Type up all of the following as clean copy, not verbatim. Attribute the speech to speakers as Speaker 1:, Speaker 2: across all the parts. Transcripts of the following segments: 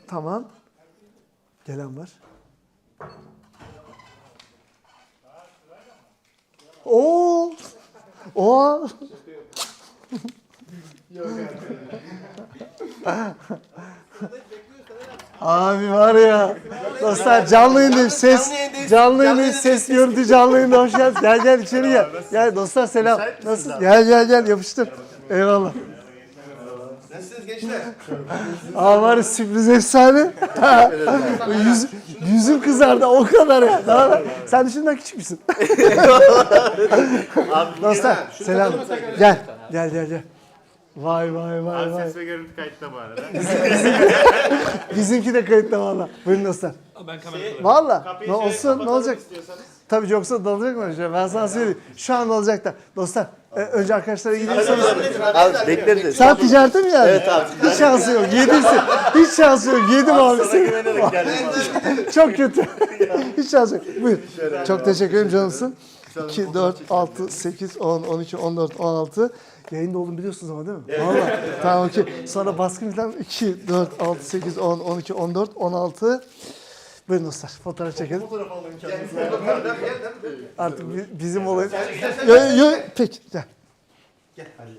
Speaker 1: Tamam. Gelen var. Oo. O. Abi var ya. Dostlar canlı yayındayım. Canlı yayındayım. Ses görüntü canlı yayında. Hoş geldin. Gel içeri gel. Gel dostlar selam. Nasılsın? Gel yapıştır. Eyvallah.
Speaker 2: Nasılsınız gençler?
Speaker 1: Aa var ya sürpriz efsane. Yüzüm kızardı o kadar ya. Sen düşünden küçük müsün? Dostlar selam. Gel. Vay.
Speaker 3: Ses ve görüntü kayıtta bu arada.
Speaker 1: Bizimki de kayıtta valla. Buyurun dostlar.
Speaker 3: Ben kamerayı
Speaker 1: Valla ne olsun ne olacak? Tabii yoksa dalacak mı öyle? Ben sana söyleyeyim. Şu an dalacaklar. Dostlar önce arkadaşlara gidiyorsanız.
Speaker 2: Abi bekleriz.
Speaker 1: Sen ticarete mi geldin? Evet abi. Hiç şansı yok. Yedinsin. Hiç şansı yok. Yedim abi seni. Çok kötü. Hiç şansı yok. Buyur. Çok teşekkür ederim canımsın. 2, 4, 6, 8, 10, 12, 14, 16. Yayında olduğunu biliyorsunuz ama değil mi? Evet. Valla. Tamam okey. Sonra baskın falan 2, 4, 6, 8, 10, 12, 14, 16. Buyurun dostlar. Fotoğraf çekelim.
Speaker 2: Fotoğraf alalım kendimize.
Speaker 1: Artık bizim olayım. Peki. Gel.
Speaker 2: Gel hadi.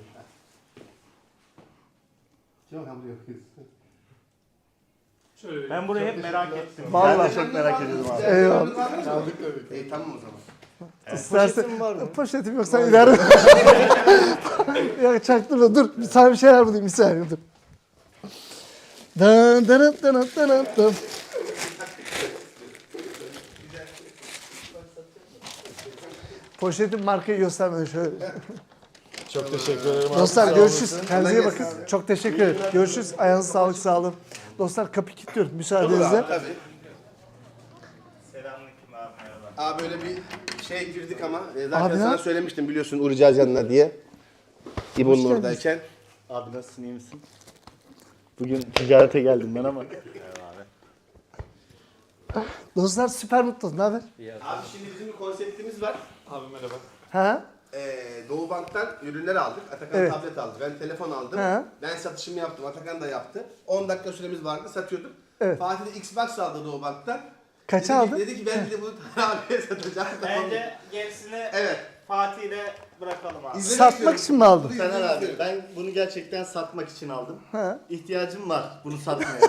Speaker 3: Ben burayı hep merak ettim.
Speaker 1: Vallahi.
Speaker 2: Ben de çok merak ediyordum abi.
Speaker 1: Eyvallah.
Speaker 2: Tamam o zaman.
Speaker 1: İstersen var mı? Poşetim yok sen ileride. Ya çaktırma dur. Sana bir şeyler bulayım bir saniye dur. Dan. Poşetin markayı göstermedi şöyle.
Speaker 2: Çok teşekkür ederim.
Speaker 1: Dostlar görüşürüz. Kendinize iyi bakın. Çok teşekkür ederim. Görüşürüz. Ayağınıza sağlık sağ olun. Dostlar kapıyı kilitliyorum müsaadenizle.
Speaker 2: Tabii.
Speaker 3: Selamünaleyküm abi merhaba.
Speaker 2: Abi böyle bir şey girdik ama zaten
Speaker 1: Abi
Speaker 2: sana
Speaker 1: ya.
Speaker 2: söylemiştim biliyorsun uğrayacağız yanına diye. İbo'nun oradayken.
Speaker 4: Abi nasılsın, iyi misin? Bugün ticarete geldim ben ama.
Speaker 1: Dostlar süper mutlu. Ne haber?
Speaker 2: Abi şimdi bizim bir konseptimiz var.
Speaker 3: Abi merhaba.
Speaker 1: Ha?
Speaker 2: Doğu Bank'tan ürünler aldık. Atakan
Speaker 1: Evet.
Speaker 2: tablet aldı. Ben telefon aldım.
Speaker 1: Ha.
Speaker 2: Ben satışımı yaptım. Atakan da yaptı. 10 dakika süremiz vardı. Satıyorduk.
Speaker 1: Evet.
Speaker 2: Fatih de Xbox aldı Doğu Bank'tan.
Speaker 1: Kaça
Speaker 2: Dedi
Speaker 1: aldın?
Speaker 2: ki, dedi ki ben de bunu abiye satacağım.
Speaker 3: Bence gerisini
Speaker 2: Evet.
Speaker 3: Fatih ile bırakalım abi.
Speaker 2: İzlemek
Speaker 1: Satmak
Speaker 2: istiyorum.
Speaker 1: için mi aldın?
Speaker 4: Taner abi ben bunu gerçekten satmak için aldım.
Speaker 1: Ha.
Speaker 4: İhtiyacım var bunu satmaya.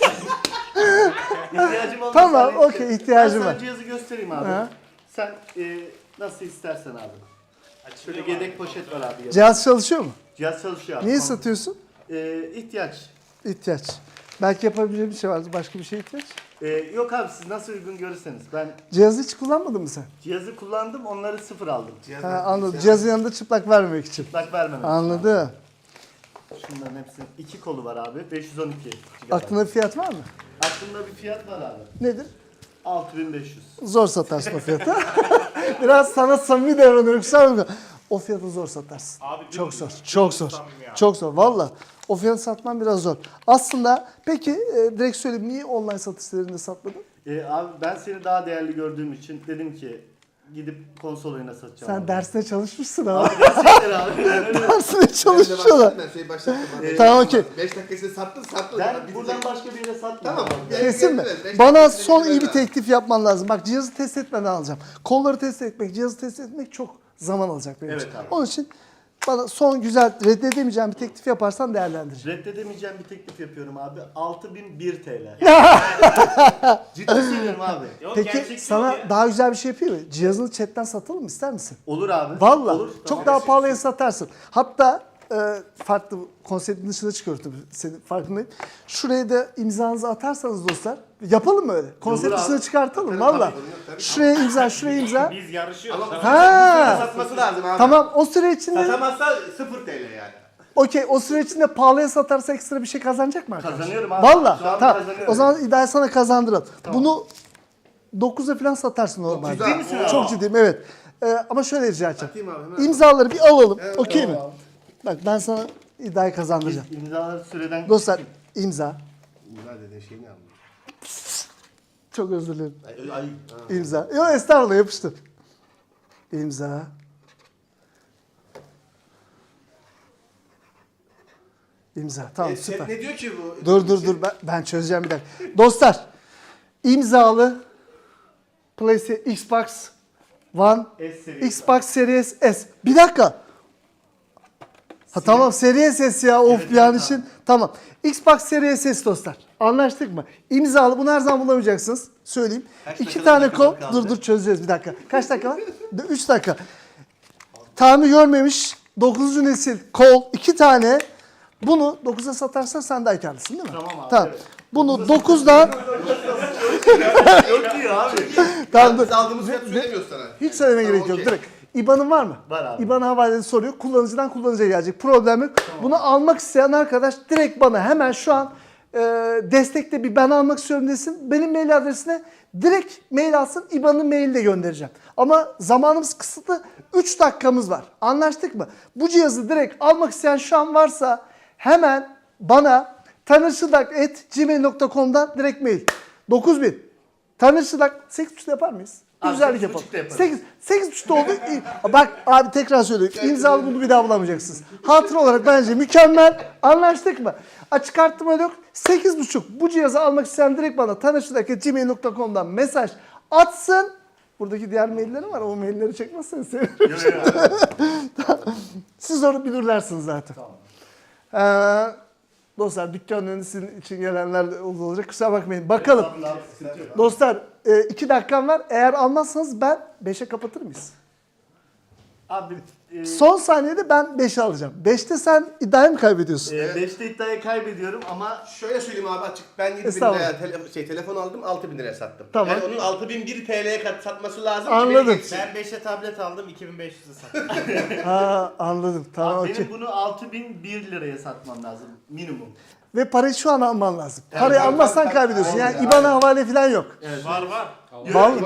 Speaker 4: İhtiyacım olmasa
Speaker 1: Tamam,
Speaker 4: hani-
Speaker 1: okey, ihtiyacım
Speaker 4: Ben
Speaker 1: var.
Speaker 4: sana cihazı göstereyim abi.
Speaker 1: Ha.
Speaker 4: Sen nasıl istersen abi. Şöyle yedek poşet var abi.
Speaker 1: Cihaz çalışıyor mu?
Speaker 4: Cihaz çalışıyor abi.
Speaker 1: Niye
Speaker 4: Tamam.
Speaker 1: satıyorsun?
Speaker 4: İhtiyaç.
Speaker 1: İhtiyaç. Belki yapabileceğim bir şey vardı. Başka bir şeye ihtiyaç.
Speaker 4: Yok abi siz nasıl uygun görürseniz. Ben
Speaker 1: Cihazı hiç kullanmadın mı sen?
Speaker 4: cihazı kullandım onları sıfır aldım.
Speaker 1: Ha, anladım. Cihazın yanında çıplak vermemek için.
Speaker 4: Çıplak vermemek.
Speaker 1: Anladım.
Speaker 4: Şunların hepsinin 2 kolu var abi. 512 GB.
Speaker 1: Aklında bir fiyat var mı?
Speaker 4: Aklımda bir fiyat var abi.
Speaker 1: Nedir?
Speaker 4: 6500.
Speaker 1: Zor satarsın o fiyatı. Biraz sana samimi davranıyorum. Kusura bakma. O fiyatı zor satarsın.
Speaker 3: Abi,
Speaker 1: Çok
Speaker 3: dümdüz,
Speaker 1: zor.
Speaker 3: dümdüz
Speaker 1: Çok zor.
Speaker 3: samimi abi.
Speaker 1: Çok zor. Valla. O fiyatı satman biraz zor. Aslında peki direkt söyleyeyim. Niye online satış sitelerinde satmadın?
Speaker 4: Abi ben seni daha değerli gördüğüm için dedim ki gidip konsol oyuna satacağım.
Speaker 1: Sen
Speaker 4: abi.
Speaker 1: dersine çalışmışsın ama.
Speaker 4: Abi gerçekten abi.
Speaker 1: Dersine çalışmışsın.
Speaker 2: Ben başlattım.
Speaker 1: Tamam, okey.
Speaker 2: 5 dakikasını sattın.
Speaker 4: Ben buradan başka bir yere satmıyorum.
Speaker 2: Tamam.
Speaker 1: Kesin mi?
Speaker 2: Evet, beş
Speaker 1: Bana
Speaker 2: dakikasını
Speaker 1: son iyi
Speaker 2: bitirmem
Speaker 1: bir
Speaker 2: lazım.
Speaker 1: teklif yapman lazım. Bak cihazı test etmeden alacağım. Kolları test etmek, cihazı test etmek çok zaman alacak benim
Speaker 4: Evet
Speaker 1: için.
Speaker 4: abi.
Speaker 1: Onun için bana son güzel reddedemeyeceğim bir teklif yaparsan değerlendireceğim.
Speaker 4: Reddedemeyeceğim bir teklif yapıyorum abi. 6001 TL. Ciddi söylüyorum abi.
Speaker 3: Yok,
Speaker 1: Peki
Speaker 3: gerçekçi
Speaker 1: sana
Speaker 3: yok ya.
Speaker 1: daha güzel bir şey yapayım mı? Cihazını chatten satalım mı ister misin?
Speaker 4: Olur abi.
Speaker 1: Valla
Speaker 4: Olur.
Speaker 1: çok
Speaker 4: Tamam.
Speaker 1: daha pahalıya satarsın. Hatta farklı konseptin dışına çıkıyor tabii senin farkındayım. Şuraya da imzanızı atarsanız dostlar yapalım mı öyle? Konsept
Speaker 4: abi.
Speaker 1: dışına çıkartalım
Speaker 2: Tabii,
Speaker 1: valla.
Speaker 2: tabii.
Speaker 1: Şuraya imza, şuraya imza.
Speaker 3: Biz yarışıyoruz.
Speaker 1: Ha.
Speaker 2: Satması lazım abi.
Speaker 1: Tamam o süre içinde
Speaker 2: Satamazsa 0 TL yani.
Speaker 1: okey o süre içinde pahalıya satarsa ekstra bir şey kazanacak mı arkadaş?
Speaker 4: Kazanıyorum abi.
Speaker 1: Valla
Speaker 4: Şu an
Speaker 1: tamam
Speaker 4: kazanıyorum.
Speaker 1: o zaman iddiayı sana kazandıralım. Bunu 9'a falan satarsın normalde.
Speaker 2: Ciddi misin abi?
Speaker 1: Çok ciddiyim evet. Ama şöyle rica edeceğim.
Speaker 2: Atayım abi, hemen.
Speaker 1: İmzaları bir alalım. Okey mi?
Speaker 4: tamam abi.
Speaker 1: Bak ben sana iddiayı kazandıracağım.
Speaker 4: İmzaları süreden
Speaker 1: Dostlar imza.
Speaker 2: Bunlar dediğin şeyini aldım.
Speaker 1: Çok özür dilerim.
Speaker 2: Ay.
Speaker 1: İmza. Yok estağfurullah yapıştır. İmza. İmza. Tamam süper.
Speaker 2: Ne diyor ki bu?
Speaker 1: Dur ben çözeceğim bir dakika. Dostlar imzalı PlayStation Xbox One
Speaker 4: S serisi.
Speaker 1: Xbox Series S. Bir dakika. Ha tamam Series S ya of
Speaker 4: Evet,
Speaker 1: bir an
Speaker 4: evet,
Speaker 1: için. Tamam. Xbox Series S dostlar. Anlaştık mı? İmzalı bunu her zaman bulamayacaksınız. Söyleyeyim.
Speaker 4: Kaç
Speaker 1: 2
Speaker 4: dakikada
Speaker 1: tane kol.
Speaker 4: kaldı?
Speaker 1: Dur çözeceğiz bir dakika. Kaç dakika var? 3 dakika. Tamir görmemiş 9. nesil kol 2 tane. Bunu 9'a satarsan sen daha karlısın değil mi?
Speaker 4: Tamam abi, evet.
Speaker 1: Bunu 9'dan
Speaker 4: Yok diyor abi.
Speaker 1: tamam dur.
Speaker 2: Biz aldığımız fiyatı söylemiyoruz sana.
Speaker 1: Hiç söyleme
Speaker 2: Tamam,
Speaker 1: gerek yok.
Speaker 2: okey.
Speaker 1: Direkt. İBAN'ın var mı?
Speaker 4: Var abi.
Speaker 1: İBAN havalesi soruyor. Kullanıcıdan kullanıcıya gelecek. Problem yok. Bunu almak isteyen arkadaş direkt bana hemen şu an destekte bir ben almak istiyorum desin. Benim mail adresine direkt mail alsın. İBAN'ın maili de göndereceğim. Ama zamanımız kısıtlı. 3 dakikamız var. Anlaştık mı? Bu cihazı direkt almak isteyen şu an varsa hemen bana tanırşıdak@gmail.com'dan direkt mail. 9000. Tanırşıdak 8.5'da yapar mıyız? Bir
Speaker 4: Abi,
Speaker 1: güzellik
Speaker 4: 8.5'da
Speaker 1: yapalım.
Speaker 4: yaparız.
Speaker 1: 8.5'da oldu. Bak abi tekrar söylüyorum. İmzalı bunu bir daha bulamayacaksınız. Hatıra olarak bence mükemmel. Anlaştık mı? Açık arttırma yok. 8.5 bu cihazı almak isteyen direkt bana tanışıdak@gmail.com'dan mesaj atsın. Buradaki diğer maillerim var. O mailleri çekmezseniz sevinirim. Siz onu bilirlersiniz zaten. Dostlar dükkanın önü sizin için gelenler de olacak. Kusura bakmayın. Bakalım. Dostlar 2 dakikam var. Eğer almazsanız ben 5'e kapatır mıyız?
Speaker 4: Abi
Speaker 1: Son saniyede ben 5'e alacağım. 5'te sen iddiayı mı kaybediyorsun?
Speaker 4: 5'te iddiayı kaybediyorum ama
Speaker 2: Şöyle söyleyeyim abi açık. Ben 7.000
Speaker 1: Estağfurullah.
Speaker 2: liraya telefon aldım, 6.000 liraya sattım.
Speaker 1: Tamam.
Speaker 2: Yani onun 6.001 TL'ye satması lazım. ki
Speaker 1: Anladım.
Speaker 2: beni geçsin.
Speaker 3: Ben 5'e tablet aldım 2500'e sattım.
Speaker 1: Ha anladım. Tamam
Speaker 4: abi
Speaker 1: okey.
Speaker 4: benim bunu 6001 liraya satmam lazım minimum.
Speaker 1: Ve parayı şu an alman lazım. Parayı
Speaker 2: tabii,
Speaker 1: almazsan
Speaker 2: tabii,
Speaker 1: kaybediyorsun.
Speaker 2: aynen,
Speaker 1: Yani IBAN'a havale falan yok.
Speaker 3: Var var.
Speaker 1: Vallahi.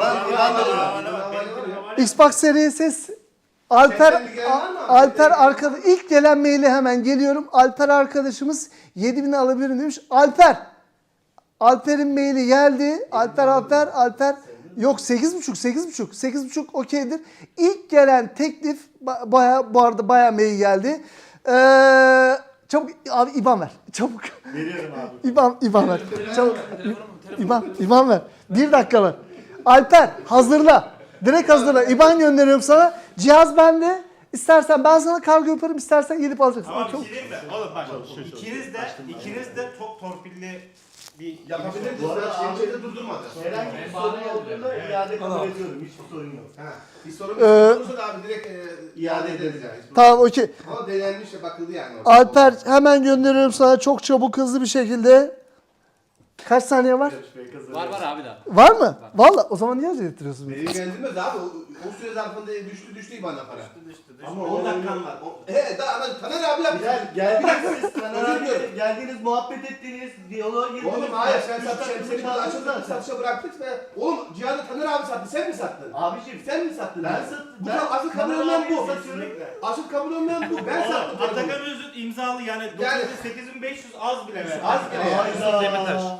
Speaker 1: Xbox Series S Alper arkadaş ilk gelen maili hemen geliyorum. Alper arkadaşımız 7.000'i alabilirim demiş. Alper'in maili geldi. Alper yok 8.5 okeydir. İlk gelen teklif bu arada bayağı mail geldi. Çabuk abi IBAN ver. Çabuk.
Speaker 4: Veriyorum abi.
Speaker 1: İBAN ver. Çabuk. İBAN ver. 1 dakika var. Alper hazırla. Direkt hazırla. İBAN gönderiyorum sana. Cihaz bende. İstersen ben sana kargo yaparım, istersen gelip alacaksın.
Speaker 3: Ama
Speaker 1: Çok-
Speaker 3: bir şey diyeyim mi? Oğlum bak ikiniz de çok torpilli bir
Speaker 2: Yapabiliriz.
Speaker 4: Bu arada
Speaker 2: Şeyde durdurmadı.
Speaker 4: Herhangi bir sorun olduğunda iade kabul ediyorum. Hiçbir sorun yok.
Speaker 2: Ha, bir sorun olursa da abi direkt iade ederiz yani.
Speaker 1: Tamam okey.
Speaker 2: Ama denenmiş ve bakıldı yani. orada.
Speaker 1: Alper hemen gönderiyorum sana çok çabuk hızlı bir şekilde. Kaç saniye var?
Speaker 5: Var abi daha.
Speaker 1: Var mı? Valla o zaman niye acele ettiriyorsun?
Speaker 2: Benim geldirmez abi. O süre zarfında düştü bana para.
Speaker 4: Ama
Speaker 2: 10 dakikan var. Daha Taner abi yaptı.
Speaker 4: Geldiniz siz Taner abi, geldiniz muhabbet ettiniz, diyaloğa girdiniz.
Speaker 2: Oğlum hayır sen
Speaker 4: Üç
Speaker 2: satışa,
Speaker 4: dakika
Speaker 2: seni burada
Speaker 4: çaldınız
Speaker 2: açıldı,
Speaker 4: zaten.
Speaker 2: satışa bıraktık ve oğlum cihazı Taner abi sattı, sen mi sattın?
Speaker 4: Abiciğim
Speaker 2: Sen mi sattın?
Speaker 4: ben
Speaker 2: ya?
Speaker 4: sattım.
Speaker 2: Bu asıl kabul olmayan bu.
Speaker 4: satıyorum.
Speaker 2: Asıl kabul olmayan bu. Ben sattım.
Speaker 3: Atakan
Speaker 2: telefonu.
Speaker 3: Öz'ün imzalı yani
Speaker 2: Yani-
Speaker 3: 8500 az bile ver.
Speaker 2: Az bile ya.
Speaker 4: Hayda.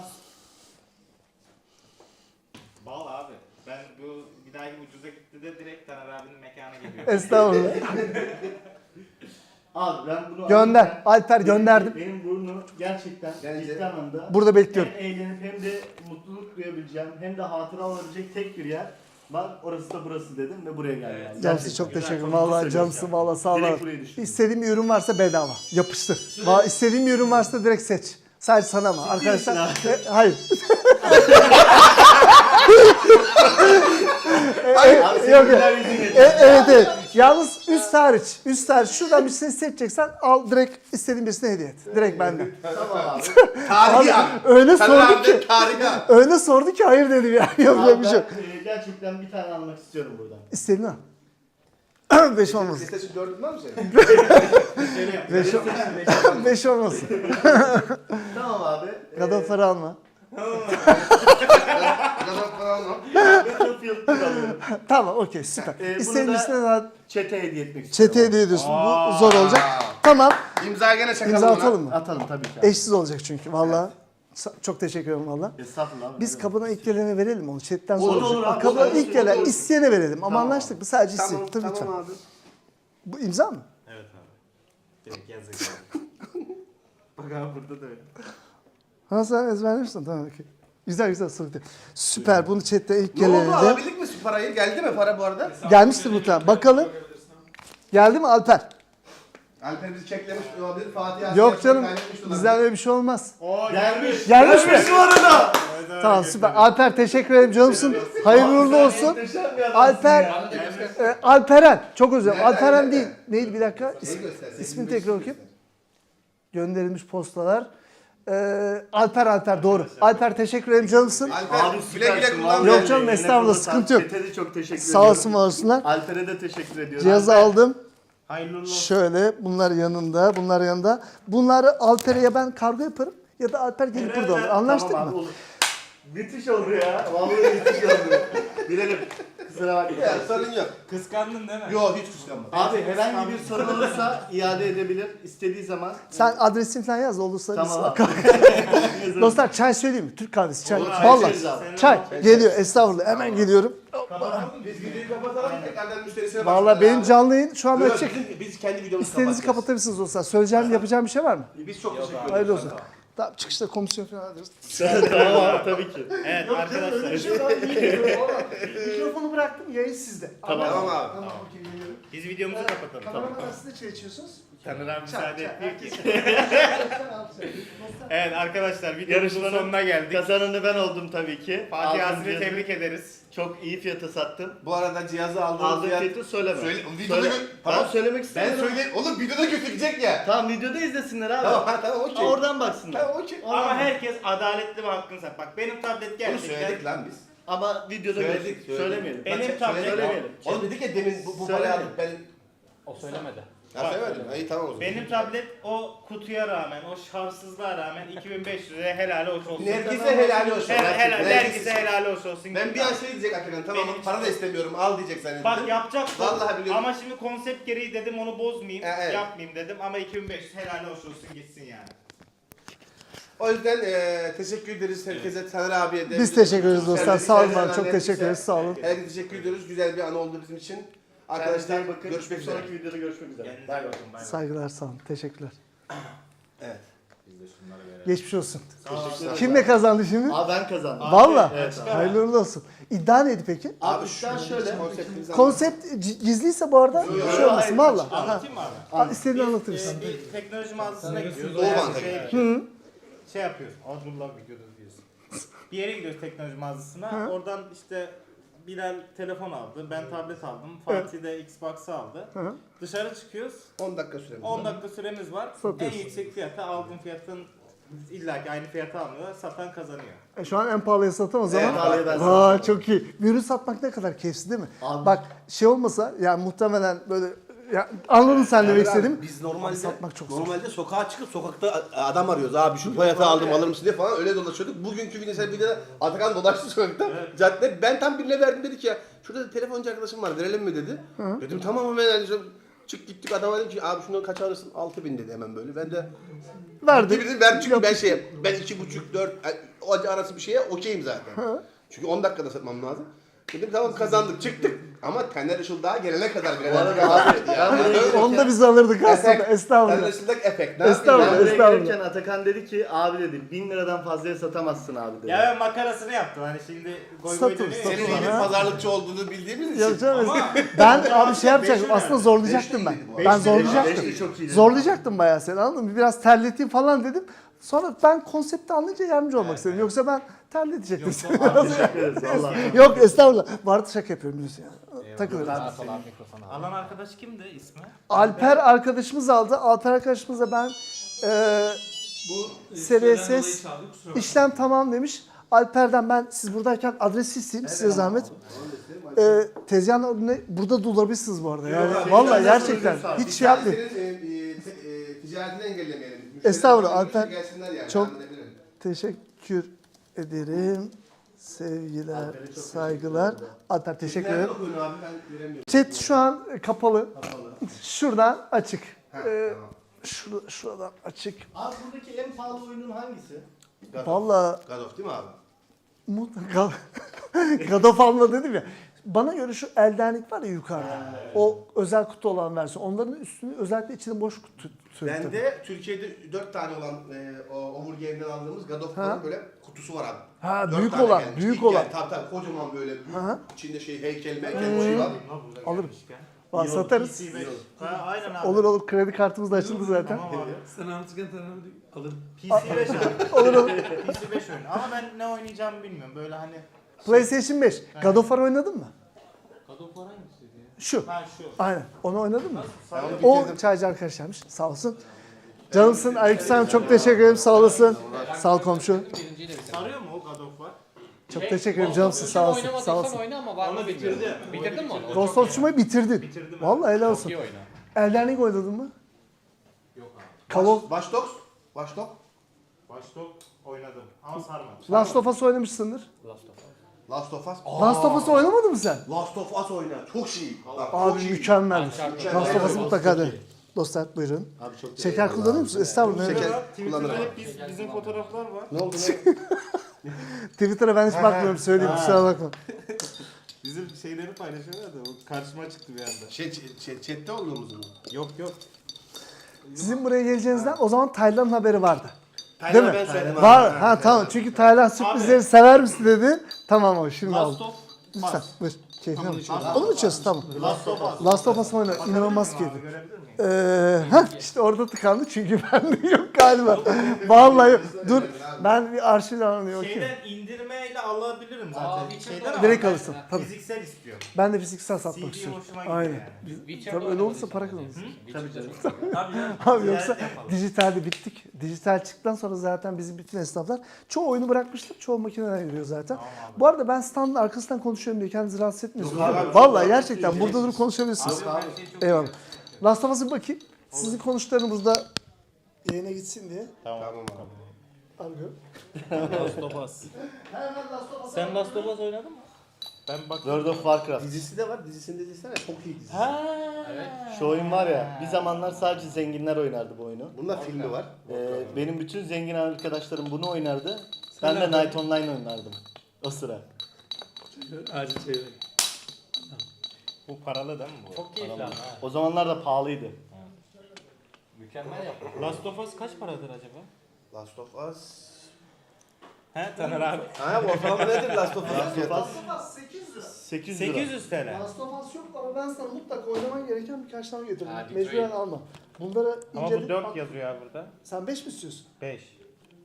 Speaker 3: Bal abi. Ben bu bir dahaki ucuza gitti de direkt Taner abinin mekana geliyor.
Speaker 1: Estağfurullah.
Speaker 4: Abi ben bunu
Speaker 1: Gönder.
Speaker 4: alırken
Speaker 1: Alper gönderdim.
Speaker 4: Benim burnu gerçekten
Speaker 2: Bence-
Speaker 4: ciddi anlamda
Speaker 1: Burada bekliyorum.
Speaker 4: hem eğlenip hem de mutluluk duyabileceğim hem de hatıra olabilecek tek bir yer var. Orası da burası dedim ve buraya geldim.
Speaker 3: Evet.
Speaker 4: abi.
Speaker 1: Cansı çok
Speaker 3: Güzel,
Speaker 1: teşekkür ederim.
Speaker 3: çok
Speaker 1: Valla
Speaker 4: güzel
Speaker 1: cansı
Speaker 4: söylüyorsun.
Speaker 1: valla sağ ol.
Speaker 4: Direkt buraya düştüm.
Speaker 1: İstediğin bir ürün varsa bedava. Yapıştır. Valla istediğin bir ürün varsa direkt seç. Sadece sana mı? Arkadaşlar. Hayır.
Speaker 4: Abi senin
Speaker 1: Yok,
Speaker 4: güler yüzün yeter.
Speaker 1: evet. Yalnız üst hariç. Üst hariç. Şuradan birisini seçeceksen al direkt istediğin birisine hediye et. Direkt benden.
Speaker 4: Tamam abi.
Speaker 2: Tarihi an.
Speaker 1: Öyle
Speaker 2: Taner
Speaker 1: sordu
Speaker 2: abi
Speaker 1: ki.
Speaker 2: de tarihi an.
Speaker 1: Öyle sordu ki hayır dedim yani. Yapacak
Speaker 4: Abi
Speaker 1: bir şey yok.
Speaker 4: ben gerçekten bir tane almak istiyorum buradan.
Speaker 1: İstediğin al. 5 olmasın.
Speaker 2: Listesi 4'ün var mı senin?
Speaker 1: 5 olmasın.
Speaker 4: Tamam abi.
Speaker 1: Kadar para alma.
Speaker 2: Adam falan mı?
Speaker 4: Battlefield 1 alıyorum.
Speaker 1: Tamam okey süper.
Speaker 4: Bunu
Speaker 1: İstediğin
Speaker 4: da-
Speaker 1: birisine daha
Speaker 4: Çete hediye etmek istiyorum.
Speaker 1: çete hediye ediyorsun. Bu zor olacak. Tamam.
Speaker 2: İmza gene çakalım
Speaker 1: İmza
Speaker 2: ona.
Speaker 1: atalım mı?
Speaker 4: Atalım tabii ki abi.
Speaker 1: Eşsiz olacak çünkü valla. Çok teşekkür ederim valla.
Speaker 4: Estağfurullah abi.
Speaker 1: Biz kapına ilk gelene verelim onu. Chatten
Speaker 4: Olur,
Speaker 1: sonra.
Speaker 4: olur abi,
Speaker 1: Kapına
Speaker 4: olur,
Speaker 1: ilk gelen
Speaker 4: olur.
Speaker 1: isteyene verelim. Ama
Speaker 4: Tamam.
Speaker 1: anlaştık mı? Sadece
Speaker 2: Tamam,
Speaker 1: isteyin. Tabii lütfen.
Speaker 2: tamam abi.
Speaker 1: Bu imza mı?
Speaker 3: Evet abi. Direkt yazık. Bak abi burada da öyle.
Speaker 1: Ha sen ezberlemişsin tamam okey. Güzel güzel sıkıntı. Süper bunu chatte ilk
Speaker 2: Ne oldu?
Speaker 1: geleninde.
Speaker 2: Alabildik mi parayı? Geldi mi para bu arada?
Speaker 1: Gelmiştir muhtemelen. Bakalım. Geldi mi Alper?
Speaker 2: Alper bizi çeklemiş olabilir. Fatih
Speaker 1: Yok canım. Bizden öyle bir şey olmaz.
Speaker 4: Oo gelmiş.
Speaker 1: Gelmiş mi?
Speaker 4: bu arada.
Speaker 1: Tamam süper. Alper teşekkür ederim canımsın. Hayırlı uğurlu olsun.
Speaker 4: Muhteşem bir adamsın
Speaker 1: Alper,
Speaker 4: ya.
Speaker 1: Alperen. Çok özür dilerim.
Speaker 2: Nereden,
Speaker 1: Alperen
Speaker 2: nereden?
Speaker 1: değil. Neydi bir dakika?
Speaker 2: göstersin.
Speaker 1: İsmini tekrar okuyayım. Gönderilmiş postalar. Alper doğru. Alper teşekkür ederim canımsın.
Speaker 2: Alper
Speaker 4: Abi
Speaker 2: güle güle
Speaker 4: süpersin.
Speaker 2: kullan.
Speaker 4: vallahi.
Speaker 1: Yok canım,
Speaker 4: Eline
Speaker 1: estağfurullah,
Speaker 4: koluna
Speaker 1: sıkıntı
Speaker 4: sağlık.
Speaker 1: yok.
Speaker 4: Çete de çok teşekkür
Speaker 1: Sağ
Speaker 4: ediyorum.
Speaker 1: olsun var olsunlar.
Speaker 4: Alper'e de teşekkür ediyorum.
Speaker 1: Cihazı aldım.
Speaker 3: Hayırlı uğurlu olsun.
Speaker 1: Şöyle bunlar yanında, bunlar yanında. Bunları Alper'e ya ben kargo yaparım ya da Alper gelip burada alır. Anlaştık
Speaker 4: Tamam
Speaker 1: mı?
Speaker 4: abi, olur. Müthiş oldu ya. Vallahi müthiş oldu. Bilelim. Kusura bakma.
Speaker 2: Ya sorun yok.
Speaker 3: Kıskandın değil mi?
Speaker 2: Yok hiç kıskanmadım.
Speaker 4: Abi herhangi bir sorun olursa iade edebilir. İstediği zaman.
Speaker 1: Sen adresini falan yaz da olursa
Speaker 4: Tamam
Speaker 1: biz-
Speaker 4: abi.
Speaker 1: Dostlar çay söyleyeyim mi? Türk kahvesi çay.
Speaker 4: Olur, çay
Speaker 1: Vallahi
Speaker 4: içeriz abi.
Speaker 1: çay geliyor estağfurullah hemen geliyorum.
Speaker 2: Biz videoyu kapatalım tekrardan müşterisine
Speaker 1: Vallahi benim canlı yayın şu an
Speaker 2: Yok,
Speaker 1: açık.
Speaker 2: biz kendi videomuzu
Speaker 1: İstediğinizi
Speaker 2: kapatacağız.
Speaker 1: kapatabilirsiniz dostlar. Söyleyeceğim, yapacağım bir şey var mı?
Speaker 2: Biz çok teşekkür ederiz.
Speaker 1: Hayırlı olsun. Tamam çıkışta komisyon falan alırız.
Speaker 4: Tamam abi tabii ki.
Speaker 3: Evet arkadaşlar.
Speaker 1: Mikrofonu bıraktım, yayın sizde.
Speaker 4: Tamam.
Speaker 2: Tamam abi.
Speaker 1: Tamam, okey geliyorum.
Speaker 3: Biz videomuzu kapatalım.
Speaker 1: Kameraman arasında çay içiyorsunuz.
Speaker 3: Taner abi müsaade etmiyor ki.
Speaker 1: Dostlar,
Speaker 3: Evet arkadaşlar videomuzun
Speaker 4: Yarışmanın
Speaker 3: sonuna geldik.
Speaker 4: Kazananı ben oldum tabii ki.
Speaker 3: Fatih
Speaker 4: Aldığım
Speaker 3: Azri'yi
Speaker 4: cihazı
Speaker 3: tebrik ederiz.
Speaker 4: Çok iyi fiyata sattım.
Speaker 2: Bu arada cihazı aldığımız
Speaker 4: Aldığım
Speaker 2: fiyat...
Speaker 4: fiyatı söyleme.
Speaker 2: Söyle, videoda
Speaker 4: Söyle. Tamam
Speaker 2: Tamam.
Speaker 4: söylemek
Speaker 2: Ben
Speaker 4: istemiyorum.
Speaker 2: söyleyeyim. Oğlum videoda gözükecek ya.
Speaker 4: Tamam videoda izlesinler abi.
Speaker 2: Tamam ha tamam okey.
Speaker 4: Oradan baksınlar.
Speaker 2: Tamam okey.
Speaker 3: Ama herkes adaletli ve hakkını sat. Bak benim tablet
Speaker 2: Bunu
Speaker 3: gerçekten...
Speaker 2: söyledik lan biz.
Speaker 4: Ama videoda
Speaker 2: Söyledik.
Speaker 4: söylemeyelim.
Speaker 3: Benim
Speaker 2: Bak,
Speaker 3: tablet-
Speaker 2: söyledik. Oğlum dedik ya demin bu parayı
Speaker 4: Söylemedim.
Speaker 2: aldık ben...
Speaker 5: O söylemedi.
Speaker 2: Ya söylemedim. İyi tamam o zaman.
Speaker 3: Benim tablet o kutuya rağmen, o şartsızlığa rağmen 2500 liraya helal hoş olsun.
Speaker 2: Herkese helal olsun.
Speaker 3: Herkese helal hoş olsun.
Speaker 2: Ben bir an şey diyecek hakikaten tamam
Speaker 3: Benim-
Speaker 2: para da istemiyorum al diyecek zannettim.
Speaker 3: Bak yapacaktım
Speaker 2: Vallahi biliyorum.
Speaker 3: ama şimdi konsept gereği dedim onu bozmayayım,
Speaker 2: Evet.
Speaker 3: yapmayayım dedim ama 2500 helal hoş olsun gitsin yani.
Speaker 2: O yüzden teşekkür ederiz herkese, Taner abiye de.
Speaker 1: Biz teşekkür ederiz dostlar.
Speaker 2: Servis
Speaker 1: Sağ olun
Speaker 2: eden
Speaker 1: abi. Çok
Speaker 2: herkese.
Speaker 1: teşekkür ederiz. Sağ olun.
Speaker 2: Herkese teşekkür ediyoruz. Güzel bir an oldu bizim için. Arkadaşlar
Speaker 4: Kendinize iyi bakın.
Speaker 2: görüşmek üzere.
Speaker 4: Sonraki videoda görüşmek üzere.
Speaker 3: Kendinize
Speaker 4: Bay
Speaker 3: iyi
Speaker 4: bay.
Speaker 3: bakın, bay bay.
Speaker 1: Saygılar sağ olun. Teşekkürler.
Speaker 2: Evet.
Speaker 3: Biz de şunları verelim.
Speaker 1: Geçmiş olsun.
Speaker 4: Teşekkür ederim.
Speaker 1: Kim ne kazandı şimdi?
Speaker 4: Abi ben kazandım.
Speaker 1: Valla.
Speaker 4: Evet abi.
Speaker 1: Hayırlı uğurlu olsun. İddia neydi peki?
Speaker 4: Abi iddia şöyle.
Speaker 2: Konseptimizi
Speaker 1: Konsept gizliyse bu arada
Speaker 2: Yok,
Speaker 1: şey olmasın valla.
Speaker 3: Anlatayım mı abi?
Speaker 1: İstediğini anlatırız.
Speaker 3: Bir teknoloji mağazasına gidiyoruz.
Speaker 2: Doğu Bank'a
Speaker 3: Şey yapıyoruz. Adrullah videoda diyorsun. Bir yere gidiyoruz teknoloji mağazasına. Oradan işte Bilal telefon aldı. Ben tablet aldım. Fatih de Xbox aldı.
Speaker 1: Hı.
Speaker 3: Dışarı çıkıyoruz.
Speaker 2: 10 dakika süremiz
Speaker 3: 10 dakika süremiz var.
Speaker 1: Satıyorsun.
Speaker 3: En yüksek fiyata aldığın fiyatın illaki aynı fiyata almıyorlar. Satan kazanıyor.
Speaker 1: Şu an en pahalıya satan o zaman.
Speaker 2: Evet,
Speaker 4: pahalıya ben
Speaker 1: Aa çok iyi. Bir ürün satmak ne kadar keyifli değil mi?
Speaker 4: Abi.
Speaker 1: Bak şey olmasa yani muhtemelen böyle ya, anladın sen demek istediğimi.
Speaker 2: Biz normalde
Speaker 1: Satmak çok zor.
Speaker 2: normalde sokağa çıkıp sokakta adam arıyoruz. Abi şu fiyata aldım alır mısın diye falan öyle dolaşıyorduk. Bugünkü videoda Atakan dolaştı sokakta. Cadde ben tam birine verdim dedik ya. Şurada telefoncu arkadaşım var verelim mi dedi. Dedim tamam hemen yani çık gittik adama dedim ki abi şunu kaç alırsın? 6000 dedi hemen böyle. Ben de
Speaker 1: Verdim.
Speaker 2: dedim ver çünkü ben 2,5-4 o arası bir şeye okeyim zaten. Çünkü 10 dakikada satmam lazım. Dedim tamam kazandık çıktık ama Taner Işıl daha gelene kadar bile
Speaker 1: Onu da biz alırdık aslında.
Speaker 2: Taner
Speaker 1: Estağfurullah.
Speaker 2: Işıl'daki efekt.
Speaker 1: Estağfurullah.
Speaker 4: Ben buraya
Speaker 1: Estağfurullah.
Speaker 4: gelirken Atakan dedi ki abi dedi 1000 liradan fazlaya satamazsın abi dedi.
Speaker 3: Ya ben makarasını yaptım. Hani şimdi goy
Speaker 1: Satın,
Speaker 3: goy dönüyor.
Speaker 1: satın.
Speaker 2: Senin iyi bir
Speaker 1: Ha?
Speaker 2: pazarlıkçı olduğunu bildiğimiz için.
Speaker 1: Ya canım,
Speaker 3: Ama-
Speaker 1: ben abi şey yapacaktım.
Speaker 3: Beşi
Speaker 1: Aslında zorlayacaktım ben.
Speaker 2: Beşli iyiydi bu.
Speaker 1: Ben
Speaker 4: Beşli
Speaker 1: zorlayacaktım.
Speaker 4: çok iyiydi.
Speaker 1: Zorlayacaktım bayağı seni anladın mı? Biraz terleteyim falan dedim. Sonra ben konsepti anlayınca yardımcı olmak istedim. Yoksa ben terletecektim seni.
Speaker 4: Teşekkür ederiz vallahi.
Speaker 1: Yok estağfurullah. Bu arada şaka yapıyorum biliyorsun ya. Takılırız.
Speaker 5: Sağ sol abi mikrofonu al.
Speaker 3: Alan arkadaş kimdi ismi?
Speaker 1: Alper arkadaşımız aldı. Alper arkadaşımıza ben SRSS işlem tamam demiş. Alper'den ben siz buradayken adresi isteyeyim size zahmet. Tezgahın önüne burada da olabilirsiniz bu arada. Yani vallahi gerçekten hiç şey yapmayın.
Speaker 2: Senin ticaretini engellemeyelim.
Speaker 1: Estağfurullah,
Speaker 2: Müşteriler
Speaker 1: Alper.
Speaker 2: gelsinler yani,
Speaker 1: Çok-
Speaker 2: anlayabilirim.
Speaker 1: Teşekkür ederim. Sevgiler, saygılar. Alper teşekkür
Speaker 2: Nereden
Speaker 1: ederim.
Speaker 2: okuyorsun abi ben göremiyorum.
Speaker 1: Chat şu an kapalı. Şuradan açık.
Speaker 2: Ha, tamam.
Speaker 1: Şuradan açık.
Speaker 4: Abi buradaki en pahalı oyunun hangisi?
Speaker 1: Vallahi
Speaker 2: God of değil mi abi?
Speaker 1: God of War'la dedim ya. Bana göre şu eldenlik var ya yukarıda. O özel kutu olan versiyon. Onların üstünü özellikle içinde boş kutu.
Speaker 2: Bende Türkiye'de 4 tane olan o Overgame'den aldığımız God of War'ın böyle kutusu var abi.
Speaker 1: Ha,
Speaker 2: 4
Speaker 1: büyük
Speaker 2: tane
Speaker 1: olan,
Speaker 2: gelmiş.
Speaker 1: büyük
Speaker 2: İlk
Speaker 1: olan.
Speaker 2: geldi. Tabii kocaman böyle büyük.
Speaker 1: Aha.
Speaker 2: İçinde heykel bir şey var.
Speaker 1: Alırım. Var, satarız.
Speaker 3: PC5. Ha, aynen abi.
Speaker 1: Olur kredi kartımız da açıldı zaten.
Speaker 3: Tamam abi.
Speaker 6: Sen anlatırken alırım.
Speaker 3: PC5 abi.
Speaker 1: Olur.
Speaker 3: PC5 oyunu. Ama ben ne oynayacağımı bilmiyorum. Böyle hani
Speaker 1: PlayStation 5. God of War oynadın mı?
Speaker 5: God of War hangisiydi ya?
Speaker 1: Şu.
Speaker 3: ha şu.
Speaker 1: Aynen. Onu oynadın mı?
Speaker 2: Onu
Speaker 1: O
Speaker 2: bitirdim.
Speaker 1: çaycı arkadaşlarmış. Sağ olsun. Canımsın. Aleykümselam. Çok teşekkür ederim. Sağ olasın. Sağ ol komşu.
Speaker 5: Birinciyi de bitirdim.
Speaker 3: Sarıyor mu o God of War?
Speaker 1: Çok teşekkür ederim. Canımsın. Sağ olasın. Sağ
Speaker 5: Oynamadıysan
Speaker 1: olasın.
Speaker 5: oyna ama var mı
Speaker 3: Onu
Speaker 5: bilmiyorum.
Speaker 3: bitirdi.
Speaker 5: Bitirdin mi onu?
Speaker 1: Ghost of Tsushima'yı bitirdin.
Speaker 3: Bitirdim.
Speaker 1: Vallahi helal
Speaker 5: Çok
Speaker 1: olsun.
Speaker 5: iyi oyna.
Speaker 1: Elden Ring oynadın mı?
Speaker 5: Yok abi.
Speaker 1: Call of
Speaker 2: Watch Dogs. Watch Dogs.
Speaker 3: Watch Dogs oynadım ama sarmadı.
Speaker 1: Last of Us oynamışsındır.
Speaker 5: Last of Us.
Speaker 2: Last of Us.
Speaker 1: Last of Us'ı oynamadın mı sen?
Speaker 2: Last of Us oyna. Çok iyi. Bak, çok
Speaker 1: Abi
Speaker 2: iyi.
Speaker 1: mükemmel.
Speaker 5: Uncharted.
Speaker 1: Last of Us'ı mutlaka deneyin. Dostlar buyurun.
Speaker 2: Abi çok
Speaker 1: Şeker kullanıyor musun? Estağfurullah.
Speaker 2: Şeker.
Speaker 3: Twitter'da
Speaker 2: kullanırım.
Speaker 3: hep bizim fotoğraflar var.
Speaker 2: Ne oldu ne?
Speaker 1: Twitter'a ben hiç bakmıyorum söyleyeyim. Kusura bakma.
Speaker 3: Bizim şeyleri paylaşıyorlar da o karşıma çıktı bir anda.
Speaker 2: Chat'te olduğumuz mu?
Speaker 3: Yok.
Speaker 1: Sizin buraya geleceğinizden o zaman Taylan'ın haberi vardı.
Speaker 2: Taylan'a
Speaker 1: Değil mi?
Speaker 2: ben söyledim abi.
Speaker 1: Var. Ha tamam. Çünkü Taylan sürprizleri sever misin dedi. Tamam abi şimdi
Speaker 3: Last
Speaker 1: aldım.
Speaker 3: of
Speaker 1: Lütfen
Speaker 3: Us.
Speaker 1: buyur. Keyfine bak.
Speaker 6: içiyoruz.
Speaker 1: Onu mu içiyorsun? Tamam.
Speaker 3: Last of Us.
Speaker 1: Last of Us oyna. İnanılmaz
Speaker 3: Bakabilir miyim
Speaker 1: keyifli.
Speaker 3: abi, görebilir miyim?
Speaker 1: İşte orada tıkandı çünkü bende yok galiba. Vallahi yok. Dur ben bir arşivden alıyorum.
Speaker 3: Şeyden indirmeyle alabilirim zaten.
Speaker 5: Witcher
Speaker 3: Şeyden ama
Speaker 1: Direkt
Speaker 3: ben
Speaker 1: alırsın. Tabii.
Speaker 3: Fiziksel istiyorum.
Speaker 1: Ben de fiziksel satmak
Speaker 3: CD
Speaker 1: istiyorum.
Speaker 3: hoşuma gidiyor
Speaker 1: Aynen.
Speaker 3: yani.
Speaker 5: Witcher'da
Speaker 1: Tabii öyle olursa
Speaker 5: oynamadıysan
Speaker 1: para
Speaker 5: o zaman.
Speaker 1: kazanırsın.
Speaker 5: Witcher'da çok seviyorum.
Speaker 3: Tabii canım.
Speaker 1: Abi yoksa
Speaker 3: Ticaret yapalım.
Speaker 1: dijitalde bittik. Dijital çıktıktan sonra zaten bizim bütün esnaflar çoğu oyunu bırakmışlar. Çoğu makinelere giriyor zaten. Bu arada ben standın arkasından konuşuyorum diye kendinizi rahatsız etmiyorsunuz.
Speaker 2: Yok
Speaker 1: değil mi?
Speaker 2: abi,
Speaker 1: Vallahi gerçekten burada durup konuşabilirsiniz.
Speaker 3: Abi her şey çok
Speaker 1: Eyvallah. Last of Us'a bir bakayım. Sizin konuştuklarınız da yayına gitsin diye.
Speaker 2: Tamam abi.
Speaker 1: Argo.
Speaker 3: Last of Us. Sen Last of Us oynadın mı? Ben bak.
Speaker 4: World of Warcraft.
Speaker 2: Dizisi de var. Dizisini de izlesene. Çok iyi dizi.
Speaker 4: Şu oyun var ya, bir zamanlar sadece zenginler oynardı bu oyunu.
Speaker 2: Bunda filmi var.
Speaker 4: Benim bütün zengin arkadaşlarım bunu oynardı. Ben de Night Online oynardım o sıra.
Speaker 6: Acil çevir.
Speaker 3: Bu paralı değil mi bu?
Speaker 5: Çok keyifli ama ha.
Speaker 4: O zamanlar da pahalıydı.
Speaker 5: Mükemmel yapmış.
Speaker 3: Last of Us kaç paradır acaba?
Speaker 2: Last of Us.
Speaker 3: He Taner abi.
Speaker 2: Ha bu ortalama nedir Last of Us?
Speaker 4: Last of Us
Speaker 1: 800 lira.
Speaker 4: 800 lira.
Speaker 3: 800 TL.
Speaker 1: Last of Us yok ama ben sana mutlaka oynaman gereken birkaç tane getirdim.
Speaker 5: Ha, Detroit.
Speaker 1: Mecburen alma. Bunları
Speaker 3: Ama bu
Speaker 1: inceledim.
Speaker 3: 4 yazıyor abi burada.
Speaker 1: Sen 5 mi istiyorsun?
Speaker 3: 5.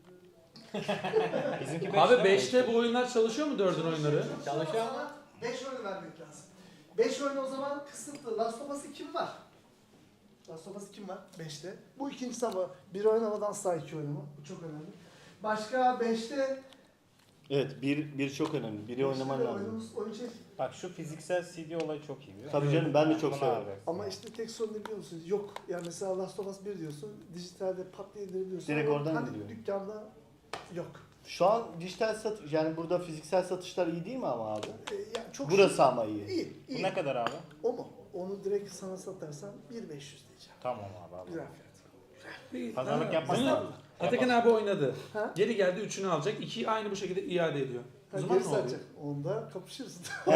Speaker 3: Bizimki 5.
Speaker 6: Abi 5'te bu oyunlar çalışıyor mu 4'ün oyunları?
Speaker 5: Çalışıyor ama
Speaker 1: 5 oyunu vermek lazım. 5 oyun o zaman kısıtlı. Last of Us'ı kim var? Last of Us kim var? 5'te. Bu ikincisi ama bir oynamadan asla 2 oynama. Bu çok önemli. Başka 5'te
Speaker 4: Evet, bir çok önemli. Biri oynaman lazım.
Speaker 1: oyun şey.
Speaker 3: Bak şu fiziksel CD olayı çok iyi biliyor musun?
Speaker 4: Tabii canım, ben de çok
Speaker 3: Bunu
Speaker 4: severim.
Speaker 3: alacaksın.
Speaker 1: Ama işte tek sorun ne biliyor musunuz? Yok. Yani mesela Last of Us 1 diyorsun. Dijitalde pat diye indirebiliyorsun.
Speaker 4: Direkt
Speaker 1: Ama
Speaker 4: oradan
Speaker 1: hani
Speaker 4: gidiyor.
Speaker 1: dükkanda yok.
Speaker 4: Şu an dijital satış, yani burada fiziksel satışlar iyi değil mi ama abi?
Speaker 1: Yani çok
Speaker 4: Burası ama iyi.
Speaker 1: iyi.
Speaker 3: Bu
Speaker 1: iyi.
Speaker 3: ne kadar abi?
Speaker 1: O mu? Onu direkt sana satarsam 1.500 diyeceğim.
Speaker 3: Tamam abi.
Speaker 1: Güzel fiyat.
Speaker 3: Pazarlık yapmak
Speaker 6: Bunu
Speaker 3: lazım.
Speaker 6: Atakan abi oynadı.
Speaker 1: Ha?
Speaker 6: Geri geldi 3'ünü alacak. 2'yi aynı bu şekilde iade ediyor. O
Speaker 1: Ha,
Speaker 6: zaman
Speaker 1: geri
Speaker 6: ne oluyor?
Speaker 1: satacak. Onda kapışırız.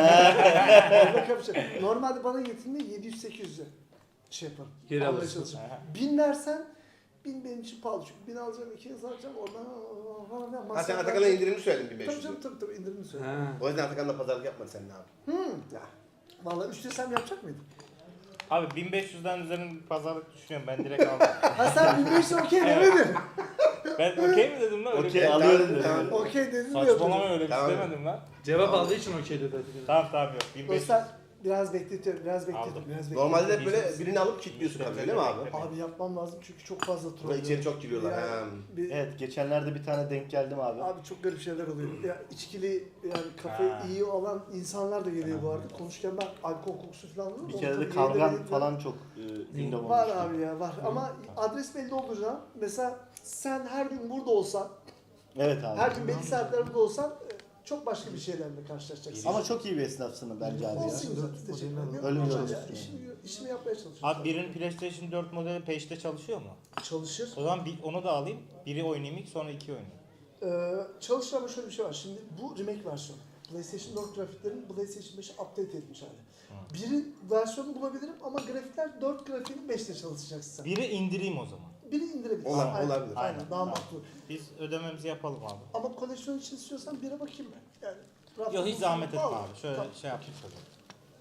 Speaker 1: Onda kapışırız. Normalde bana getirdiğinde 700-800'e şey yaparım.
Speaker 6: Geri
Speaker 1: Almaya
Speaker 6: alırsın.
Speaker 1: çalışırım. 1000 dersen 1000 benim için pahalı çünkü 1000 alacağım 200 alacağım oradan
Speaker 2: Ha sen Atakan'a indirimli söyledin
Speaker 1: Tabii
Speaker 2: 1500.
Speaker 1: canım tabii indirimini söyle.
Speaker 6: Ha.
Speaker 2: O yüzden Atakan'la pazarlık yapma sen ne abi.
Speaker 1: Ya. Vallahi 3 desem yapacak mıydın?
Speaker 3: Abi 1500'den üzerine bir pazarlık düşünüyorum. Ben direkt aldım.
Speaker 1: Ha sen 1500 okey demedin.
Speaker 3: Ben okey mi dedim lan? Öyle
Speaker 4: Okey,
Speaker 3: bir-
Speaker 4: alıyorum dedim.
Speaker 2: Tamam.
Speaker 1: Okey dedin mi
Speaker 3: Saçmalama
Speaker 1: yapıyordun?
Speaker 3: öyle bir şey
Speaker 2: Tamam.
Speaker 3: demedim lan.
Speaker 6: Cevap aldığı için okey dedi Atakan.
Speaker 3: Tamam yok. 1500.
Speaker 1: Dostlar biraz bekletiyorum, biraz bekletiyorum,
Speaker 3: Aldım.
Speaker 1: biraz bekletiyorum.
Speaker 2: Normalde hep böyle birini alıp kilitliyorsun tabii öyle mi abi?
Speaker 1: Abi yapmam lazım çünkü çok fazla troll.
Speaker 2: Burada içeri çok giriyorlar.
Speaker 1: Yani
Speaker 2: Ha.
Speaker 1: bir-
Speaker 4: Geçenlerde bir tane denk geldim abi.
Speaker 1: Abi çok garip şeyler oluyor. Ya içkili yani kafayı
Speaker 3: Ha.
Speaker 1: iyi olan insanlar da geliyor bu arada. Konuşurken ben alkol kokusu falan alıyorum.
Speaker 4: Bir
Speaker 1: Onu
Speaker 4: kere de
Speaker 1: tabii
Speaker 4: kavgan
Speaker 1: yayında
Speaker 4: falan çok gündem olmuştu.
Speaker 1: var abi ya var. Ama adres belli olduğu zaman mesela sen her gün burada olsan,
Speaker 4: Evet abi.
Speaker 1: her gün belli saatlerde burada olsan çok başka bir şeylerle karşılaşacaksın.
Speaker 4: Ama çok iyi bir esnafsın bence abi ya.
Speaker 1: olsun zaten. Teşekkür ederim.
Speaker 4: Öyle bir
Speaker 1: Yok,
Speaker 4: yol
Speaker 1: ya,
Speaker 4: istiyorum.
Speaker 1: işimi yapmaya çalışıyorum.
Speaker 3: Abi birinin PlayStation 4 modeli peşte çalışıyor mu?
Speaker 1: Çalışır.
Speaker 3: O zaman onu da alayım. Biri oynayayım ilk sonra 2 oynayayım.
Speaker 1: Çalışır ama şöyle bir şey var. Şimdi bu remake versiyonu. PlayStation 4 grafiklerin PlayStation 5'e update etmiş hali. Biri versiyonu bulabilirim ama grafikler 4 grafiğin 5'te çalışacaksın sen.
Speaker 3: Biri indireyim o zaman.
Speaker 1: Biri indirebilirsin.
Speaker 2: Olabilir.
Speaker 1: Aynen.
Speaker 2: Olabilir.
Speaker 1: Aynen, daha
Speaker 3: Tamam.
Speaker 1: makul.
Speaker 3: Biz ödememizi yapalım abi.
Speaker 1: Ama koleksiyon için istiyorsan bire bakayım ben. Yani
Speaker 3: Yok hiç zahmet etme
Speaker 1: Vallahi.
Speaker 3: abi. Şöyle
Speaker 1: Tamam.
Speaker 3: şey yaptık o zaman.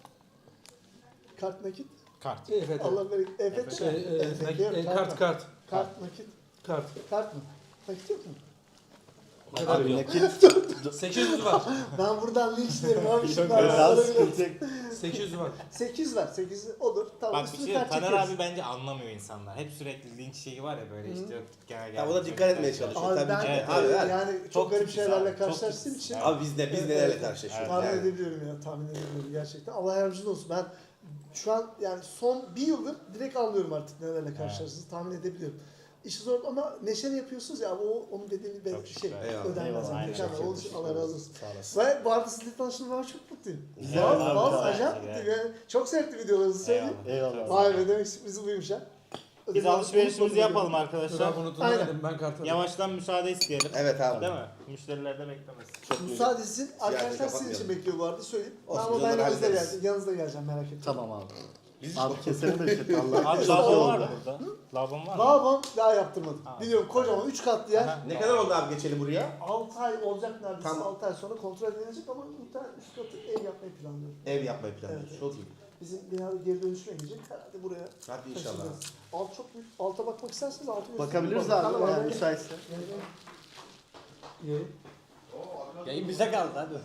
Speaker 1: Kart nakit.
Speaker 3: Kart.
Speaker 6: Evet.
Speaker 1: Allah bereket. Evet.
Speaker 6: Kart.
Speaker 1: Kart nakit.
Speaker 6: Kart.
Speaker 1: Kart mı? Nakit yok mu?
Speaker 4: Abi nakit
Speaker 6: 800 var.
Speaker 1: Ben buradan linçlerim abi. Şimdi
Speaker 4: daha sıkıntı yok.
Speaker 6: 800 var.
Speaker 1: 8 ver. 8 olur. Tamam.
Speaker 3: Bak bir
Speaker 1: üstüne
Speaker 3: şey
Speaker 1: kart
Speaker 3: Taner
Speaker 1: çekeriz.
Speaker 3: abi bence anlamıyor insanlar. Hep sürekli linç şeyi var ya böyle işte genel
Speaker 2: Ya o da dikkat etmeye çalışıyor.
Speaker 1: Abi
Speaker 2: Tabii
Speaker 1: ben
Speaker 2: ki.
Speaker 3: Evet,
Speaker 2: Abi,
Speaker 3: evet.
Speaker 2: abi.
Speaker 1: yani çok
Speaker 3: Çok
Speaker 1: garip
Speaker 3: titiz
Speaker 1: şeylerle
Speaker 3: abi, çok
Speaker 1: karşılaştığım
Speaker 3: titiz.
Speaker 1: için
Speaker 2: Abi biz nelerle karşılaşıyoruz
Speaker 1: tahmin
Speaker 2: yani.
Speaker 1: edebiliyorum ya. Tahmin edebiliyorum gerçekten. Allah yardımcın olsun. Ben şu an yani son bir yıldır direkt anlıyorum artık nelerle karşılaştığınızı. Tahmin edebiliyorum. İşi zor ama neşeli yapıyorsunuz ya onun dediğini ben
Speaker 3: Çok
Speaker 1: şey
Speaker 3: şükür.
Speaker 2: Eyvallah.
Speaker 1: ödenmez.
Speaker 4: Eyvallah, aynen.
Speaker 1: Mükemmel.
Speaker 2: Çok
Speaker 1: Onun için Allah razı olsun.
Speaker 2: Sağ olasın.
Speaker 1: Ve bu arada sizinle tanıştığıma ben çok mutluyum.
Speaker 4: Güzel
Speaker 1: Vallahi
Speaker 4: abi,
Speaker 1: vallahi
Speaker 4: tamam.
Speaker 1: acayip mutluyum. Yani çok sevdim videolarınızı söyleyeyim.
Speaker 4: Eyvallah.
Speaker 1: Vay be demek sürprizi buymuş ha.
Speaker 3: Biz alışverişimizi yapalım arkadaşlar.
Speaker 6: Ben bunu
Speaker 1: Aynen.
Speaker 6: tutmadım. Ben kart alayım.
Speaker 3: Yavaştan müsaade isteyelim.
Speaker 2: Evet abi.
Speaker 3: Değil mi? Müşteriler de beklemesin.
Speaker 2: Çok güzel.
Speaker 1: Müsaade etsin. Arkadaşlar sizin
Speaker 2: kapatmayalım.
Speaker 1: için bekliyor bu arada söyleyeyim.
Speaker 2: Olsun,
Speaker 1: Ama
Speaker 2: biz
Speaker 1: ben
Speaker 2: onları
Speaker 1: yanınızda
Speaker 2: hallederiz.
Speaker 1: geleceğim. Yanınızda geleceğim merak etmeyin.
Speaker 4: Tamam abi.
Speaker 2: Biz
Speaker 4: Abi keselim de işte Allah.
Speaker 3: Abi
Speaker 1: Sağ
Speaker 3: lavabo
Speaker 1: olun.
Speaker 3: var mı burada? Lavabom var mı?
Speaker 1: Lavabom daha yaptırmadım.
Speaker 3: Ha.
Speaker 1: Biliyorum kocaman 3 katlı yer.
Speaker 3: Aha.
Speaker 2: ne kadar oldu abi geçeli buraya?
Speaker 1: 6 ay olacak neredeyse.
Speaker 2: Tamam.
Speaker 1: 6 ay sonra kontrol edilecek ama muhtemelen üst katı ev yapmayı planlıyorum.
Speaker 2: Ev yapmayı planlıyoruz.
Speaker 1: Evet.
Speaker 2: Çok iyi.
Speaker 1: Bizim binada geri dönüşüme gidecek. Herhalde buraya
Speaker 2: Hadi inşallah.
Speaker 1: taşınacağız. Alt çok büyük. Alta bakmak isterseniz altı göstereyim.
Speaker 4: Bakabiliriz
Speaker 1: Tamam,
Speaker 4: abi
Speaker 1: tamam,
Speaker 4: yani
Speaker 1: evet.
Speaker 4: müsaitse.
Speaker 1: Evet.
Speaker 5: Yayın bize kaldı hadi.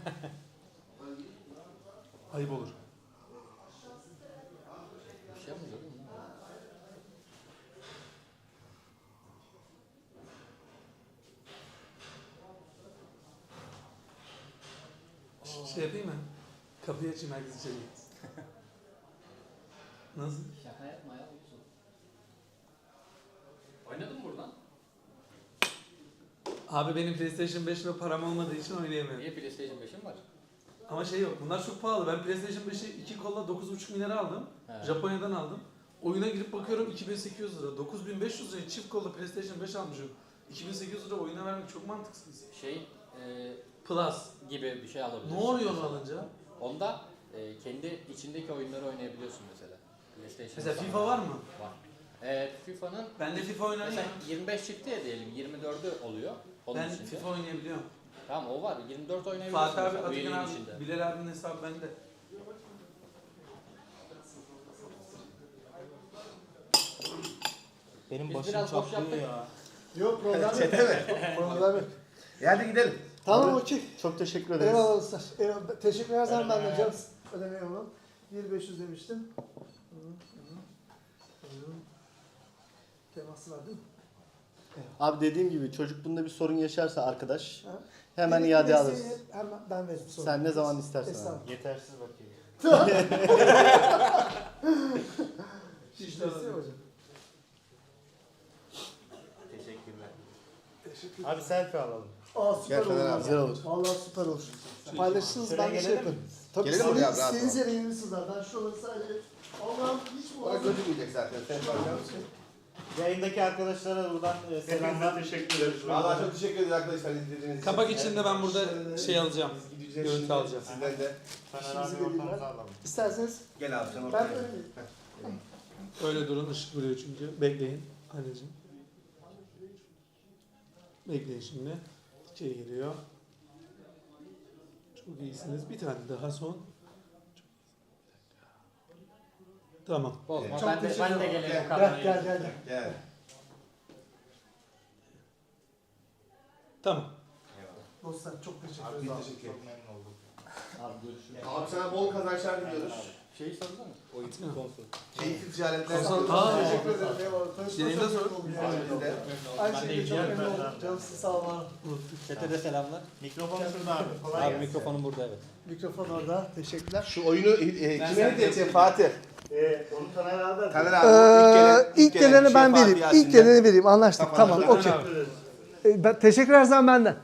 Speaker 6: Ayıp olur.
Speaker 5: Bir şey yapmayacak değil mi?
Speaker 6: Şey yapayım mı? Kapıyı açayım herkes içeri girsin. Nasıl?
Speaker 5: Şaka yapma ya. Olsun. Oynadın mı buradan?
Speaker 6: Abi benim PlayStation 5'le param olmadığı için oynayamıyorum.
Speaker 5: Niye PlayStation 5'in var?
Speaker 6: Ama şey yok. Bunlar çok pahalı. Ben PlayStation 5'i 2 kolla 9,5 milyara aldım.
Speaker 5: He.
Speaker 6: Japonya'dan aldım. Oyuna girip bakıyorum 2800 lira. 9500 liraya çift kolla PlayStation 5 almışım. 2800 lira oyuna vermek çok mantıksız.
Speaker 5: Şey
Speaker 6: Plus.
Speaker 5: gibi bir şey alabilirsin.
Speaker 6: Ne oluyor onu alınca?
Speaker 5: Onda kendi içindeki oyunları oynayabiliyorsun mesela. PlayStation
Speaker 6: Mesela
Speaker 5: falan
Speaker 6: FIFA var mı?
Speaker 5: Var. FIFA'nın
Speaker 6: Ben de FIFA oynarım.
Speaker 5: mesela 25 çıktı ya diyelim 24'ü oluyor. Onun
Speaker 6: Ben
Speaker 5: içinde.
Speaker 6: FIFA oynayabiliyorum.
Speaker 5: Tamam o var. 24 oynayabiliyorsun.
Speaker 6: Fatih abi,
Speaker 5: mesela,
Speaker 6: Atakan
Speaker 5: üyeliğin
Speaker 6: abi,
Speaker 5: içinde.
Speaker 6: Bilal abinin hesabı bende.
Speaker 3: Benim
Speaker 5: Biz
Speaker 3: başım
Speaker 5: biraz boş
Speaker 3: çatlıyor
Speaker 5: yaptık.
Speaker 3: ya.
Speaker 1: Yok problem yok.
Speaker 2: Çete mi?
Speaker 1: Problem yok.
Speaker 2: Hadi gidelim.
Speaker 1: Tamam
Speaker 4: Abi,
Speaker 1: okey.
Speaker 4: Çok teşekkür ederiz.
Speaker 1: Eyvallah dostlar. Eyvallah. Teşekkür ederim
Speaker 3: Ödeme
Speaker 1: ben de
Speaker 3: yap.
Speaker 1: canım. Ödeme yapalım. 1500 demiştim. Teması var değil mi?
Speaker 4: Abi dediğim gibi çocuk bunda bir sorun yaşarsa arkadaş
Speaker 1: Ha.
Speaker 4: hemen
Speaker 1: Gerekli
Speaker 4: iade
Speaker 1: desteği
Speaker 4: alırız.
Speaker 1: Hemen ben veririm sonra.
Speaker 4: Sen ne zaman istersen abi.
Speaker 1: Estağfurullah.
Speaker 3: Yetersiz bakıyor.
Speaker 1: İşte hocam.
Speaker 3: Teşekkürler.
Speaker 1: Teşekkür
Speaker 3: Abi selfie alalım.
Speaker 1: Aa süper
Speaker 2: Gel Fener
Speaker 1: olur.
Speaker 2: abi.
Speaker 4: Güzel olur.
Speaker 1: Vallahi süper olur. Paylaşırsınız
Speaker 3: Şuraya
Speaker 1: ben de şey
Speaker 3: gelelim
Speaker 1: yaparım. Tabii
Speaker 2: Gelelim oraya abi, rahat
Speaker 1: istediğiniz
Speaker 2: ol.
Speaker 1: yere gelirsiniz abi. Ben şuraları sadece... Allah'ım hiç mi
Speaker 2: Bana
Speaker 1: olmaz?
Speaker 2: gözükmeyecek zaten. Sen bakar mısın?
Speaker 3: Yayındaki arkadaşlara buradan selamlar.
Speaker 4: teşekkür ederiz.
Speaker 2: Valla çok teşekkür ederiz arkadaşlar izlediğiniz için.
Speaker 6: Kapak içinde ben burada şey alacağım.
Speaker 2: Biz gideceğiz
Speaker 6: Görüntü
Speaker 2: şimdi.
Speaker 6: alacağım.
Speaker 2: Sizden de.
Speaker 3: Taner
Speaker 1: İşimizi
Speaker 3: abi ortamıza
Speaker 1: belirler.
Speaker 3: alalım.
Speaker 1: İsterseniz
Speaker 2: Gel abi sen
Speaker 1: ben
Speaker 2: ortaya.
Speaker 1: öyle miyim?
Speaker 6: Öyle durun, ışık vuruyor çünkü. Bekleyin anneciğim. Bekleyin şimdi. İçeri giriyor. Çok iyisiniz. Bir tane daha son. Tamam.
Speaker 5: Bozma.
Speaker 1: Çok
Speaker 5: Ben de
Speaker 1: teşekkür ederim.
Speaker 5: gelelim
Speaker 2: Gel,
Speaker 5: kamerayı.
Speaker 1: Gel.
Speaker 2: Gel.
Speaker 6: Tamam.
Speaker 1: Dostlar çok teşekkür
Speaker 2: Abi
Speaker 1: ederiz.
Speaker 2: biz
Speaker 1: abi.
Speaker 2: teşekkür
Speaker 3: Çok
Speaker 2: ederiz.
Speaker 3: memnun oldum.
Speaker 5: Abi görüşürüz.
Speaker 2: Abi sana bol kazançlar diliyoruz.
Speaker 5: Şeyi sorsana. Oyun
Speaker 6: Atma.
Speaker 5: konsol.
Speaker 2: Keyifli ticaretler.
Speaker 6: Konsol- Aa,
Speaker 1: Teşekkür ederim. Eyvallah. Tanıştığıma
Speaker 6: Yayında
Speaker 1: çok
Speaker 6: sor.
Speaker 1: memnun oldum.
Speaker 2: Biz de.
Speaker 1: Aynı
Speaker 5: Ben de
Speaker 1: şekilde çok
Speaker 3: iyi
Speaker 1: memnun
Speaker 3: geldim.
Speaker 1: oldum. Canım sizi sağ olun.
Speaker 5: Chat'e de selamlar.
Speaker 3: Mikrofon şurada abi. Kolay
Speaker 5: Abi
Speaker 3: gelsin.
Speaker 5: mikrofonum burada evet.
Speaker 1: Mikrofon orada. Teşekkürler.
Speaker 2: Şu oyunu kime hediye edeceksin Fatih?
Speaker 4: Onu Taner abi.
Speaker 2: Taner abi.
Speaker 1: İlk geleni ben vereyim. İlk geleni vereyim. Anlaştık. Tamam.
Speaker 2: Tamam,
Speaker 1: Okey.
Speaker 6: abi.
Speaker 1: Teşekkür ederim benden.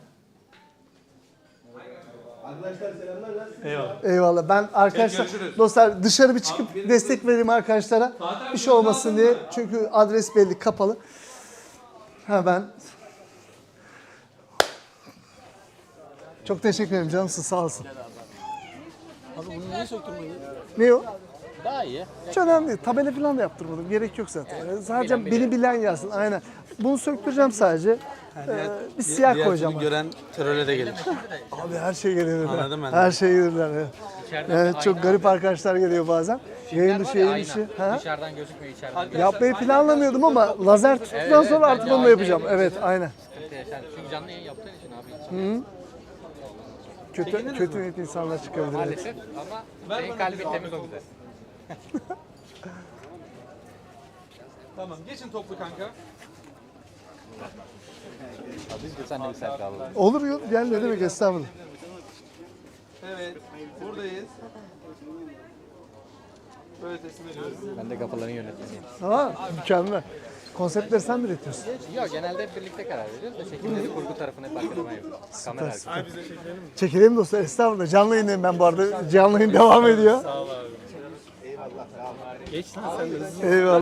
Speaker 2: Arkadaşlar selamlar. Nasılsınız?
Speaker 6: Eyvallah.
Speaker 1: Eyvallah. Ben arkadaşlar
Speaker 6: görüşürüz.
Speaker 1: dostlar dışarı bir çıkıp
Speaker 6: Abi, benim-
Speaker 1: destek vereyim arkadaşlara.
Speaker 6: Fatih abi,
Speaker 1: Bir şey olmasın
Speaker 6: gözünü
Speaker 1: diye.
Speaker 6: aldın mı?
Speaker 1: Çünkü adres belli kapalı. Ha ben Çok teşekkür ederim canımsın sağ olsun.
Speaker 6: Abi bunu niye söktürmedin?
Speaker 1: Ne o?
Speaker 5: Daha iyi.
Speaker 1: Hiç önemli değil. Tabela falan da yaptırmadım. Gerek yok zaten. Sadece beni bilen yazsın. Aynen. Bunu söktüreceğim sadece. Bir siyah koyacağım.
Speaker 6: gören teröre de gelir.
Speaker 1: Abi her şey gelirler.
Speaker 6: Anladım ben de.
Speaker 1: Her şey gelirler. Evet.
Speaker 5: İçeriden
Speaker 1: Evet,
Speaker 5: bir
Speaker 1: çok
Speaker 5: ayna
Speaker 1: garip arkadaşlar geliyor bazen. Yayın dışı, yayın
Speaker 5: ayna.
Speaker 1: dışı. Ha?
Speaker 5: Dışarıdan gözükmüyor, içeriden gözüküyor.
Speaker 1: Yapmayı planlamıyordum ama lazer tuttuktan sonra artık
Speaker 5: bence
Speaker 1: onu da
Speaker 5: ayna
Speaker 1: yapacağım.
Speaker 5: yapıyorsun.
Speaker 1: Evet, aynen.
Speaker 5: Çünkü canlı yayın yaptığın için abi.
Speaker 1: Kötü niyetli insanlar çıkabilir. Evet.
Speaker 5: Maalesef ama senin kalbin temiz o güzel.
Speaker 6: Tamam geçin toplu kanka.
Speaker 5: Biz de sen de bir selfie alalım.
Speaker 1: Olur yok, gel ne demek estağfurullah.
Speaker 6: Evet buradayız. Böyle teslim ediyoruz.
Speaker 5: Ben de kapıların yönetmeniyim.
Speaker 1: Tamam, mükemmel. Konseptleri sen mi üretiyorsun?
Speaker 5: Yok genelde hep birlikte karar veriyoruz da çekimleri kurgu tarafını hep arkada ben yapıyorum. Kamera arkası.
Speaker 1: Çekelim dostlar, estağfurullah. Canlı yayındayım ben bu arada. Canlı yayın devam ediyor.
Speaker 6: Geç lan sen de.
Speaker 1: Eyvallah.